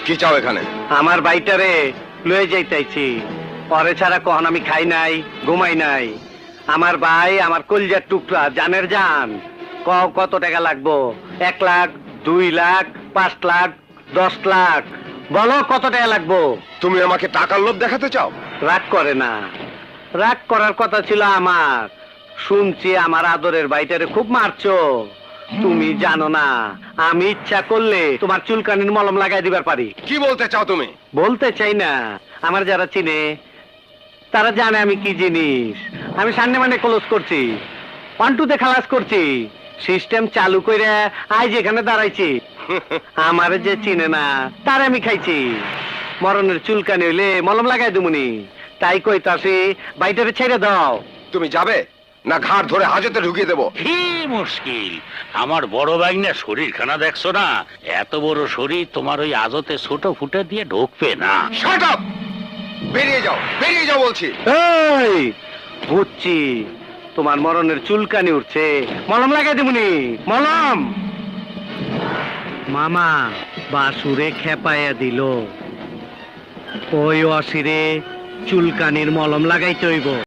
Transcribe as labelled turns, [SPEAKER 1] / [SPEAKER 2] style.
[SPEAKER 1] কি চাও এখানে?
[SPEAKER 2] আমার বাইটারে লয়ে যাইতাইছি। পরে ছাড়া কখন আমি খাই নাই, ঘুমাই নাই। আমার ভাই আমার কলজার টুকরা, জানের জান। কত টাকা লাগবো? 1 লাখ, 2 লাখ, 5 লাখ, 10 লাখ? বলো কত টাকা লাগবো?
[SPEAKER 1] তুমি আমাকে টাকার লোভ দেখাতে চাও?
[SPEAKER 2] রাগ করে না। রাগ করার কথা ছিল আমার। শুনছি আমার আদরের বাইটারে খুব মারছো। তুমি জানো না, আমি ইচ্ছা করলে তোমার চুলকানির মলম লাগাই দিবার পারি।
[SPEAKER 1] কি বলতে চাও তুমি?
[SPEAKER 2] বলতে চাই না। আমার যারা চিনে তারা জানে আমি কি জিনিস। আমি সামনে মানে ক্লোজ করছি, 1-2 খালাস করছি, সিস্টেম চালু করে আজ এখানে দাঁড়াইছি। আমার যে চিনে না তার আমি খাইছি। মরণের চুলকানি হইলে মলম লাগাই দুমুনি। তাই কইতাছি বাইটারে ছেড়ে দাও।
[SPEAKER 1] তুমি যাবে না ঘাড় ধরে হাজতে ঢুকিয়ে দেবো?
[SPEAKER 3] কি মুশকিল, আমার বড় ভাই না শরীরখানা দেখছো না? এত বড় শরীর তোমার ওই আজতে ছোট ফুটে দিয়ে ঢুকবে না।
[SPEAKER 1] Shut up! বেরিয়ে যাও, বেরিয়ে যাও বলছি।
[SPEAKER 2] এই বুঝছি তোমার মরণের চুলকানি উঠছে, মলম লাগাই দিমুনি। মলম মামা বাসুরে খেপাইয়া দিল। ওই অসিরে চুলকানির মলম লাগাইতে হইব।